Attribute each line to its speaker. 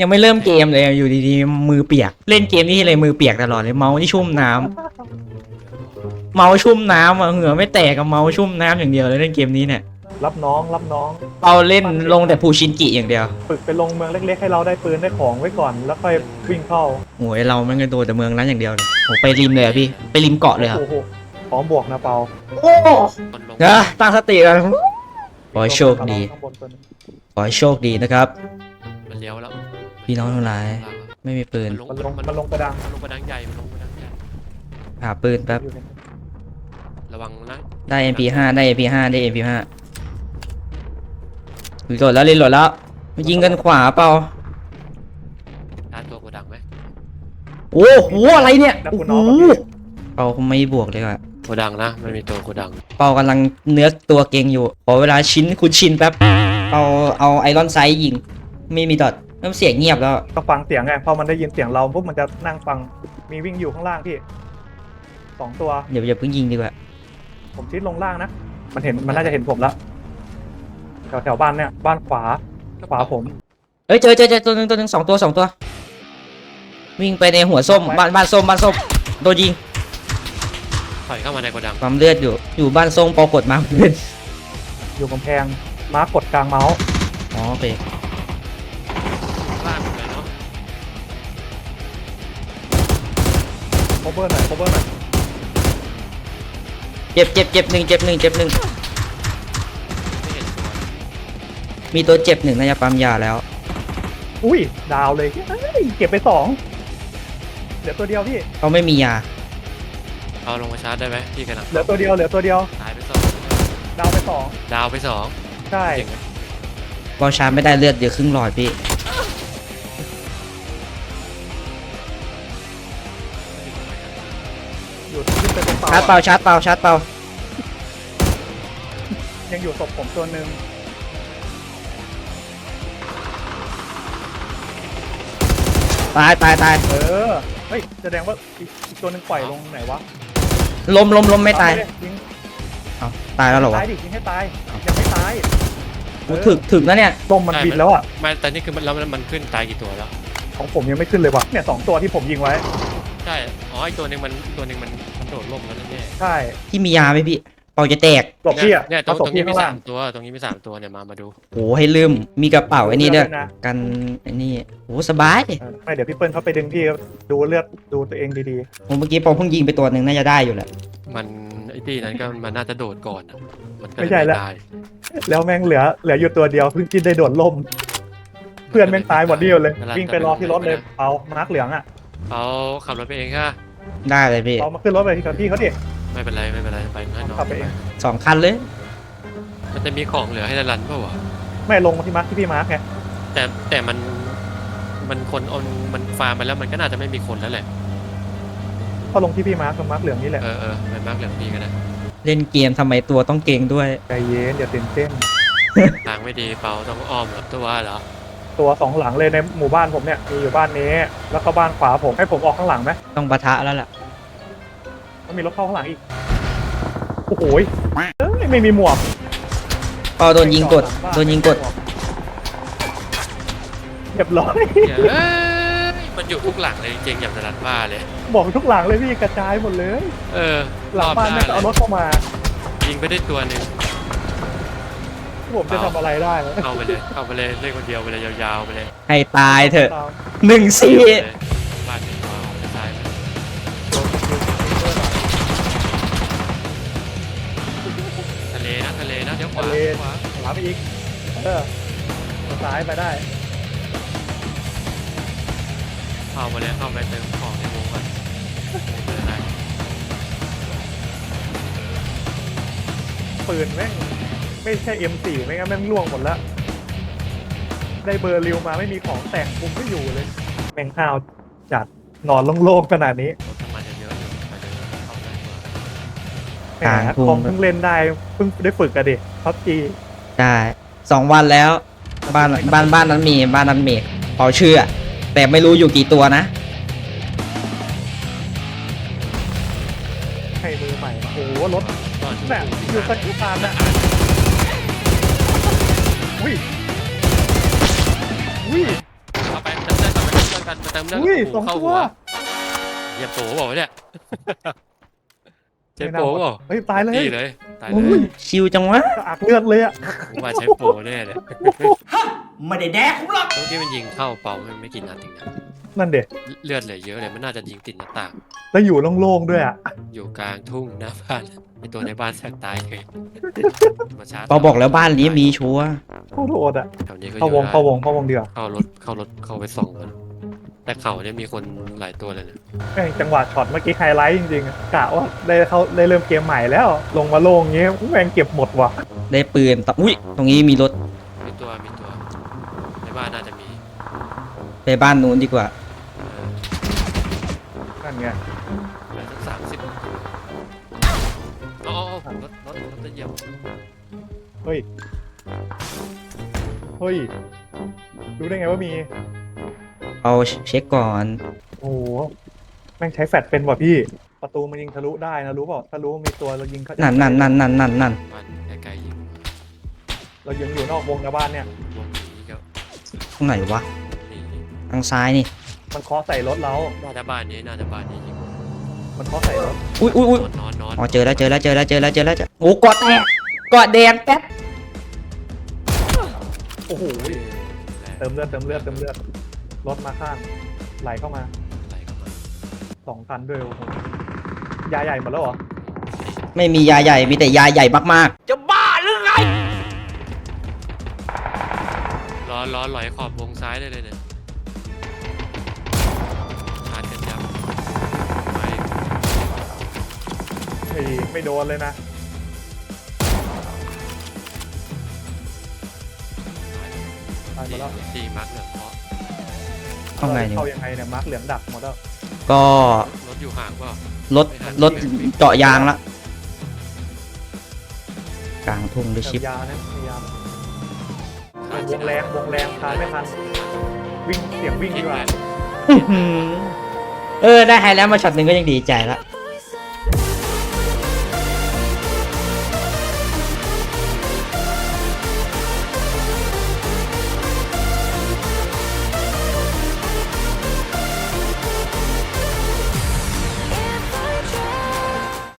Speaker 1: ยังไม่เริ่มเกมเลยอยู่ดีๆมือเปียกเล่นเกมนี้เลยมือเปียกตลอดเลยเมาส์ที่ชุ่มน้ำเมาส์ชุ่มน้ำเหงื่อไม่แตกกับเมาส์ชุ่มน้ำอย่างเดียวเลยเล่นเกมนี้เนี่ย
Speaker 2: รับน้องรับน้อง
Speaker 1: เอาเล่นลงแต่ภูชินจิอย่างเดียว
Speaker 2: ฝึกไปลงเมืองเล็กๆให้เราได้ปืนได้ของไว้ก่อนแล้วค่อยวิ่งเข้า
Speaker 1: โอ้ยเราไม่เงินตัวแต่เมืองนั้นอย่างเดียวเลยโอ้ไปริมเลยอะพี่ไปริมเกาะเลยอะ
Speaker 2: โอ้โหพร้อมบวกนะเปา
Speaker 1: โอ้ตั้งสติกันขอให้โชคดีขอให้โชคดีนะครับ
Speaker 3: มันเลี้ยวแล้ว
Speaker 1: พี่น้องทั้งหลายไม่มีปืน
Speaker 2: มันลงกระดัง
Speaker 3: มันลงกระดังใหญ่มันลงกระดังใหญ่
Speaker 1: หาปืนแป๊บ
Speaker 3: ระวังนะ
Speaker 1: ได้ MP5 ได้ MP5 ได้ MP5 รีโหลดแล้วรีโหลดแล้วยิงกันขวาเปล่า
Speaker 3: ชาร์จตัวกระดังไหม
Speaker 1: โอ้โหอะไรเนี่ยโอ้โหเปาไม่บวกเลยว่ะ
Speaker 3: กระดังนะมันมีตัวกระดัง
Speaker 1: เปากำลังเนื้อตัวเก่งอยู่ขอเวลาชิ้นคุณชินแป๊บเอาไอรอนไซด์ยิงไม่มีดอทน้ำเสียงเงียบแล้ว
Speaker 2: ก็ฟังเสียงไงพอมันได้ยินเสียงเราปุ๊บมันจะนั่งฟังมีวิ่งอยู่ข้างล่างพี่2 ตัว
Speaker 1: เดี๋ยวอย่าเพิ่งยิงดีกว่า
Speaker 2: ผมชิดลงล่างนะมันน่าจะเห็นผมแล้วแถวบ้านเนี่ยบ้านขวาผม
Speaker 1: เอ้ยเจอตัวหนึ่ง2 ตัววิ่งไปในหัวส้มบ้านส้มโดนยิง
Speaker 3: ถอยเข้ามาในกระดัง
Speaker 1: ความเลือดอยู่บ้านส้มปอกดมาเพื่อน
Speaker 2: อยู่กำแพงมาร์กกดกลางเมาส์
Speaker 1: อ๋อโอเค
Speaker 3: ล่างเลยเนาะ
Speaker 2: โคเวอร์หน่อย
Speaker 1: เจ็บหนึ่ง
Speaker 3: ไม่เห็นตัว
Speaker 1: มีตัวเจ็บ1น่าจะปั๊มยาแล้ว
Speaker 2: อุ้ยดาวเลยเก็บไป2เหลือตัวเดียวพี่
Speaker 1: เขาไม่มียา
Speaker 3: เอาลงมาชาร์จได้ไหมพี่กระดัง
Speaker 2: เหลือตัวเดียว
Speaker 3: ตายไป2
Speaker 2: ดาวไป2ใช่
Speaker 1: บอลชาร์จไม่ได้เลือดเดี๋ยวครึ่งหลอดพี่
Speaker 2: อยู่ขึ้นไปเป็น
Speaker 1: ชาร์จเปล่า
Speaker 2: ยังอยู่ศพผมตัวหนึ่ง
Speaker 1: ตาย
Speaker 2: เฮ้ยแสดงว่าอีกตัวหนึ่งปล่อยลงไหนวะ
Speaker 1: ล้มไม่ตายเอาตายแล้วเหรอวะ
Speaker 2: ตายดิยิงให้ตายยังไม่ตาย
Speaker 1: ถึกนะเนี่ย
Speaker 2: ต้มมันบินแล้วอ่ะ
Speaker 3: ไม่แต่นี่คือมันขึ้นตายกี่ตัวแล้ว
Speaker 2: ของผมยังไม่ขึ้นเลยว่ะเนี่ย2 ตัวที่ผมยิงไว้
Speaker 3: ใช่อ๋ออีกตัวหนึ่งมันโดดล่มแล้วนั่นแน่
Speaker 2: ใช่
Speaker 1: ที่มียาไหมพี่เปาจะแตก
Speaker 2: ศพพี่อ่ะ
Speaker 3: เนี่ยตรงนี้มี3 ตัวตรงนี้มี3 ตัวเนี่ยมาดู
Speaker 1: โอ้ให้ลืมมีกระเป๋าไอ้นี่ด้วยกันไอ้นี่โอ้สบาย
Speaker 2: ไม่เดี๋ยวพี่เปิ้ลเขาไปดึงพี่ดูเลือดดูตัวเองดี
Speaker 1: ๆผมเมื่อกี้เปาเพิ่งยิงไปตัวหนึ่งน่าจะได้อยู่แหละ
Speaker 3: มันไอ้ที่นั้นก็มันน่าจะโดดก่อนมันก็
Speaker 2: ไม่ใช่แล้วแม่งเหลืออยู่ตัวเดียวเพิ่งกินได้โดดล่มเพื่อนแม่งตายหมดเดียวเลยวิ่งไปรอที่รถเลยเอามาร์กเหลืองอ่ะ
Speaker 3: เอาขับรถไปเองค่ะ
Speaker 1: ได้เลยพี่
Speaker 2: เอามาขึ้นรถไปที่พี่เขาดิ
Speaker 3: ไม่เป็นไรไปให้น้อง
Speaker 2: ขับไปเอง
Speaker 1: 2 คันเลย
Speaker 3: มันจะมีของเหลือให้รันเปล่าวะ
Speaker 2: ไม่ลงที่มาร์กที่พี่มาร์กไง
Speaker 3: แต่มันคนเอามันฟาร์มไปแล้วมันก็น่าจะไม่มีคนแล้วแหละ
Speaker 2: พอลงที่พี่มาร์กเหลืองนี่แหละ
Speaker 3: ไปมาร์กเหลืองพี่ก็ได้
Speaker 1: เล่นเกมทำไมตัวต้องเก่งด้วย
Speaker 2: ใจเย็นอย่าตื่นเต้น
Speaker 3: ทางไม่ดีเปล่าต้องอ้อมหรอเหรอ
Speaker 2: ตัว2 หลังเลยในหมู่บ้านผมเนี่ยมีอยู่บ้านนี้แล้วก็บ้านขวาผมให้ผมออกข้างหลังไหม
Speaker 1: ต้องปะทะแล้วล่ะ
Speaker 2: ต้องมีรถเข้าข้างหลังอีกโอ้โหไม่มีหมวก
Speaker 1: ก็โดนยิงกด
Speaker 2: เรียบร้อย
Speaker 3: มันอยู่ทุกหลังเลยจริงอย่างนั้นว่าเลย
Speaker 2: บอกทุกหลังเลยพี่กระจายหมดเลยหลังบ้านนี่ก็เอารถเข้ามา
Speaker 3: ยิงไปได้ตัวหนึ่ง
Speaker 2: ผมจะทำอะไรได้
Speaker 3: เอาไปเลยเล่นคนเดียวไปเลยยาวๆไปเลย
Speaker 1: ให้ตายเถอะ1-4
Speaker 3: บ้านหนึ่งตัวออกจะตายทะเลนะเดี๋ยวขวา
Speaker 2: ไปอีกซ้ายไปได้
Speaker 3: เข้าไปเติมของในวงก่อน
Speaker 2: ปืนแม่งไม่ใช่ M4 ไม่งั้นแม่งล่วงหมดแล้วได้เบอร์ริวมาไม่มีของแต่งคุมไม่อยู่เลยแม่งห้าวจัดนอนโล่งๆขนาดนี้
Speaker 3: มันเยอะอยู่
Speaker 2: คอมเพิ่งเล่นได้เพิ่งได้ฝึกกันดิพับจี
Speaker 1: ใช่2 วันแล้วบ้านนั้นมีเปาเชื่อแต่ไม่รู้อยู่กี่ตัวนะ
Speaker 2: ให้มือใหม่โอ้โหรถแบบอยู่สักที่ตามนะอุ้ย
Speaker 3: เอาไปกันมาเติมเลือด
Speaker 2: อุ้ย
Speaker 3: โอ้โห
Speaker 2: 2
Speaker 3: เข้า
Speaker 2: ตั
Speaker 3: หั
Speaker 2: ว
Speaker 3: วอย่าโผล่บอกว่าเนี่ยใช้โผล่เปล่า
Speaker 2: เฮ้ยตายเลย
Speaker 3: นี่เลยตายเล
Speaker 1: โอ้ย
Speaker 3: ย
Speaker 1: ชิวจังวะ
Speaker 2: กระอักเลือดเลยอะ
Speaker 3: ผมว่าใช้โปรแน่เลย
Speaker 1: ไม่ได้แดกหรอก
Speaker 3: ตรงที่มันยิงเข้าเป่ามันไม่กี่นัดเองนะ
Speaker 2: นั่นเด็ก
Speaker 3: เลือดเหลือเยอะเลยมันน่าจะยิงติดหน้าต่าง
Speaker 2: แล้วอยู่โล่งๆด้วยอะ
Speaker 3: อยู่กลางทุ่งหน้าบ้านไอตัวในบ้านแทบตายเลยมาชาร์จ
Speaker 1: เราบอกแล้วบ้านนี้มีชัวร์
Speaker 2: โคตรโหดอะ
Speaker 3: แถวนี้ก็
Speaker 2: เข้าวง
Speaker 3: เยอะ
Speaker 2: เข้าวงเข้าวงเดียว
Speaker 3: เข้ารถเข้าไปส่องมันแต่เขาเนี่ยมีคนหลายตัวเลยนะ
Speaker 2: แม่งจังหวะช็อตเมื่อกี้ไฮไลท์จริงๆอะกะว่าได้เริ่มเกมใหม่แล้ว ลงมาโล่งเงี้ยแม่งเก็บหมดว่ะ
Speaker 1: ได้ปืนต่ออุ้ยตรงนี้มีรถ
Speaker 3: มีตัวในบ้านน่าจะมี
Speaker 1: ไปบ้านนู้นดีกว่า
Speaker 2: นั่นไง
Speaker 3: สัก30อ๋อรถจะเหยียบ
Speaker 2: เฮ้ยรู้ได้ไงว่ามี
Speaker 1: เอาเช็คก่อน
Speaker 2: โอ้โหแม่งใช้แฟลชเป็นว่ะพี่ ประตูมันยิงทะลุได้นะรู้เปล่าถ้ารู้ว่ามีตัวเรายิงเขา
Speaker 1: นั่น
Speaker 3: บ้านไกลๆยิง
Speaker 2: เรายิงอยู่นอกวงนะบ้านเนี่ย
Speaker 3: วงหนีก็
Speaker 1: ตรงไหนวะ
Speaker 3: หนี
Speaker 1: ทางซ้ายนี่
Speaker 2: มันเคาะใส่รถเรา
Speaker 3: น่าจะบ้านนี้ยิง
Speaker 2: มันเคาะใส่รถ
Speaker 1: อุ้ย
Speaker 3: นอน
Speaker 1: อ๋อเจอแล้วโอ้กอดแตกกอดแดงแป๊บ
Speaker 2: โอ้โหเติมเลือดรถมาข้างไหลเข้ามา
Speaker 3: อะไรก็มา
Speaker 2: 2 คันด้วยโอ้โหยาใหญ่หมดแล้วเหรอ
Speaker 1: ไม่มียาใหญ่มีแต่ยาใหญ่มาก
Speaker 3: ล้อลอยขอบวงซ้ายได้เลยเนี่ยชาร์จกันยับไป
Speaker 2: ไม่โดนเลยนะ ตายหมดแล้ว
Speaker 3: ตีมาร์กเหลืองเพราะ
Speaker 1: ๆเอาไงเนี่ย
Speaker 2: เข้ายังไงเนี่ยมาร์คเหลืองดักหมดแล้ว
Speaker 1: ก็
Speaker 3: รถอยู่ห่างเปล่าร
Speaker 1: ถเจาะยางละกลางทุ่งด้วยชิป
Speaker 2: ยานะพยายามวงแรงทานไม่ทันวิ่งเสียงวิ่งดีกว่า
Speaker 1: ได้ไฮแล้วมาช็อตหนึ่งก็ยังดีใจละ